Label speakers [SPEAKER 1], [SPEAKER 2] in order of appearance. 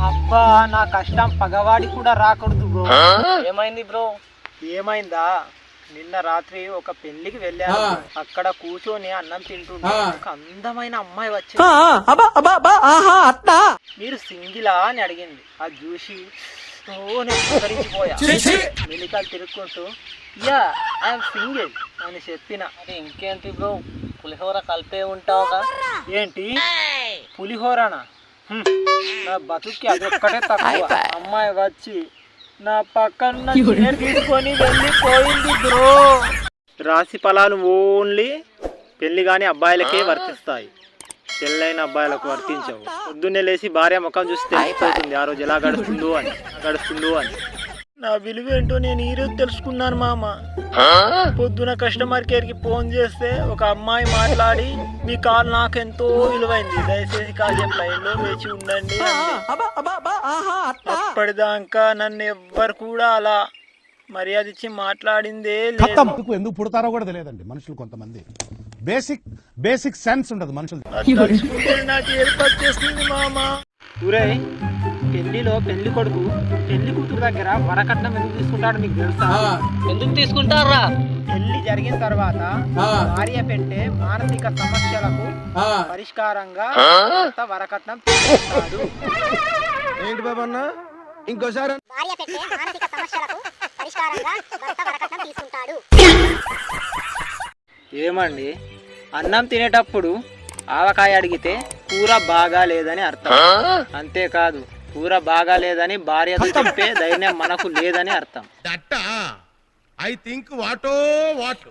[SPEAKER 1] అబ్బా నా కష్టం పగవాడి కూడా రాకూడదు బ్రో.
[SPEAKER 2] ఏమైంది బ్రో?
[SPEAKER 1] ఏమైందా, నిన్న రాత్రి ఒక పెళ్లికి వెళ్ళాను. అక్కడ కూర్చొని అన్నం తింటుంటే ఒక అందమైన అమ్మాయి వచ్చింది. మీరు సింగిలా అని అడిగింది. అది చూసి మెలికలు తిరుక్కుంటూ యా ఐఎమ్ సింగిల్ అని చెప్పిన.
[SPEAKER 2] అది ఇంకేంటి బ్రో, పులిహోర కలిపే ఉంటావుగా.
[SPEAKER 1] ఏంటి పులిహోరనా? నా బతుక్కి అదొక్కటే తక్కువ. అమ్మాయి వచ్చి నా పక్కన చైర్ తీసుకొని వెళ్ళిపోయింది బ్రో. రాశి ఫలాలు ఓన్లీ పెళ్లి కాని అబ్బాయిలకే వర్తిస్తాయి, పెళ్ళైన అబ్బాయిలకు వర్తించవు. పొద్దున్నే లేచి భార్య ముఖం చూసి తెలిసిపోతుంది ఆ రోజు ఎలా గడుస్తుందో అని. నా విలువ ఏంటో నేను ఈరోజు తెలుసుకున్నాను మామ. పొద్దున కస్టమర్ కేర్ కి ఫోన్ చేస్తే ఒక అమ్మాయి మాట్లాడి మీ కాల్ నాకెంతో విలువైంది, దయచేసి కాసేపు లైన్ లో వేచి ఉండండి అంది. అప్పటిదాకా నన్ను ఎవ్వరు కూడా అలా మర్యాద ఇచ్చి మాట్లాడిందే లేదు.
[SPEAKER 3] ఎందుకు పుడతారో కూడా తెలియదండి మనుషులు, కొంతమంది బేసిక్ సెన్స్ ఉండదు మనుషులు.
[SPEAKER 1] నాకు ఏర్పాటు చేస్తుంది మామ. ఊరే పెళ్లిలో పెళ్లి కొడుకు పెళ్లి కూతురు దగ్గర వరకట్నం ఎందుకు తీసుకుంటాడు మీకు తెలుసా?
[SPEAKER 2] ఎందుకు తీసుకుంటారా?
[SPEAKER 1] పెళ్లి జరిగిన తర్వాత భార్య పెట్టే మానసిక సమస్యలకు పరిష్కారంగా వరకట్నం తీసుకుంటాడు.
[SPEAKER 4] ఏంటి బాబన్న ఇంకోసారి?
[SPEAKER 5] భార్య పెట్టే మానసిక సమస్యలకు పరిష్కారంగా భర్త వరకట్నం తీసుకుంటాడు.
[SPEAKER 1] ఏమండి, అన్నం తినేటప్పుడు ఆవకాయ అడిగితే కూర బాగా లేదని అర్థం. అంతేకాదు కూర బాగా లేదని భార్యతో చెప్పే ధైర్యం మనకు లేదని అర్థం.
[SPEAKER 4] I think what